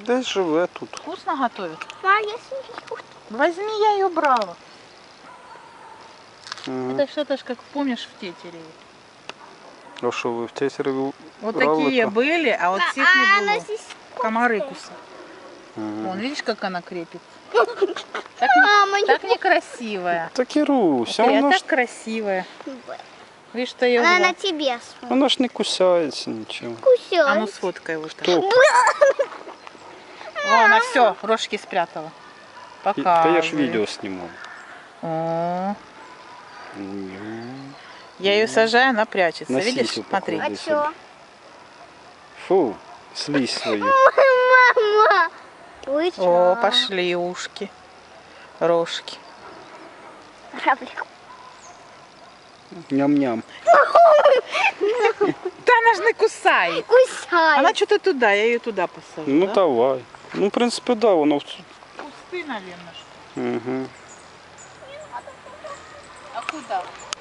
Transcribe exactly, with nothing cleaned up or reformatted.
Десь живе тут. Вкусно готовят? Мам, я смеюсь. Возьми, я ее брала. Ага. Это что-то ж, как помнишь, в Тетереве. А що ви в Тетереві Вот брали такие то? были, а вот всех А, не она было. здесь... Комары кусают. Ага. Вон, видишь, как она крепит? Так, не- Мама, не так некрасивая. Та Кіруся, А вона ж, так красивая. буду. Видишь, что ее Она на гла- тебе смотрит. вона ж не кусається нічого. Кусёй. А ну сфоткай вот так. То, О, она все, рожки спрятала. Пока. та я ж відео знімав. О, М. я ее сажаю, она прячется. На Видишь? сисю Смотри. А Иди чё? Фу, слизь свою. Мама! Вы О, чё? пошли ушки. Рожки. Равлик. Ням-ням. Да она же не кусает. Кусай. Она что-то туда, я ее туда посажу. Ну да? давай. Ну, в принципе, да, воно. в- Кусты, наверное, что. Угу. А куда?